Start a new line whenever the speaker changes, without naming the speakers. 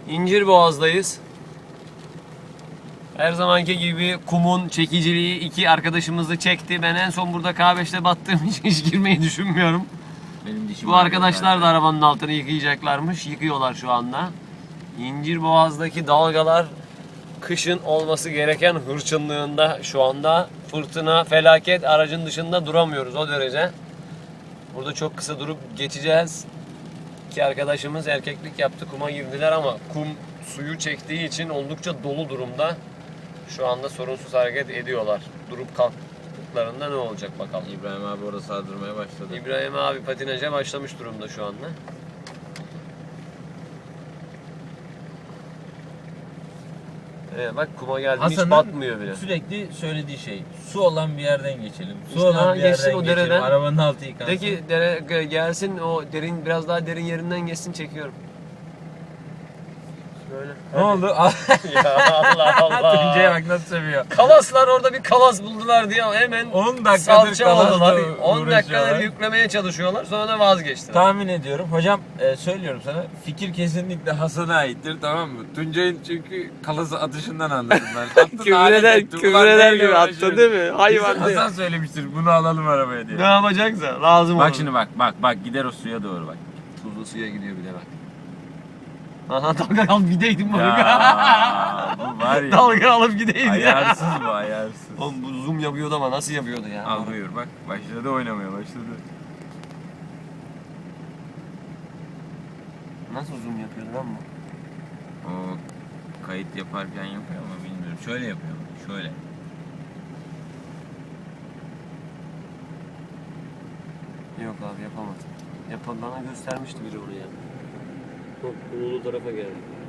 İncirboğaz'dayız. Her zamanki gibi kumun çekiciliği iki arkadaşımızı çekti. Ben en son burada K5'te battığım için hiç girmeyi düşünmüyorum.
Benim dişim
Bu arkadaşlar da arabanın altını yıkayacaklarmış. Yıkıyorlar şu anda. İncirboğaz'daki dalgalar kışın olması gereken hırçınlığında şu anda. Fırtına, felaket, aracın dışında duramıyoruz o derece. Burada çok kısa durup geçeceğiz. İki arkadaşımız erkeklik yaptı, kuma girdiler ama kum suyu çektiği için oldukça dolu durumda. Şu anda sorunsuz hareket ediyorlar. Durup kalktıklarında ne olacak bakalım.
İbrahim abi orada sardırmaya başladı.
İbrahim abi patinaja başlamış durumda şu anda. Bak kuma geldim hiç batmıyor bile.
Sürekli söylediği şey, su olan bir yerden geçelim. Su
İşte
olan bir
geçsin
yerden
o
geçelim.
dereden.
Arabanın altı yıkansın.
Peki dere gelsin o derin biraz daha derin yerinden geçsin çekiyorum. Böyle.
Ne oldu?
Ya Allah Allah.
Tuncay'a bak nasıl seviyor.
Kalaslar orada bir kalas buldular diye hemen
10 dakikadır
salça oldular.
kalasla
10 dakikadır
uğraşıyorlar.
yüklemeye çalışıyorlar sonra da vazgeçtiler.
Tahmin ediyorum. Hocam söylüyorum sana. Fikir kesinlikle Hasan'a aittir, tamam mı? Tuncay'ın çünkü kalası atışından anladım ben.
Küfreder gibi attı değil mi? Hayvan değil.
Hasan söylemiştir bunu alalım arabaya diye.
Ne yapacaksa lazım
Bak
olur.
şimdi bak gider o suya doğru bak.
Tuzlu suya gidiyor bir de bak. Aha dalga alıp gideydim bak.
Ya bu var ya.
Dalga alıp gideydim.
Ayarsız bu ayarsız.
Oğlum bu zoom yapıyordu ama nasıl yapıyordu ya?
Al buyur bak başladı oynamaya başladı.
Nasıl zoom yapıyordu lan bu?
O kayıt yaparken yapıyor ama bilmiyorum. Şöyle yapıyor. Şöyle.
Yok abi yapamadım. Bana göstermişti biri onu ya. Çok bululu tarafa geldi.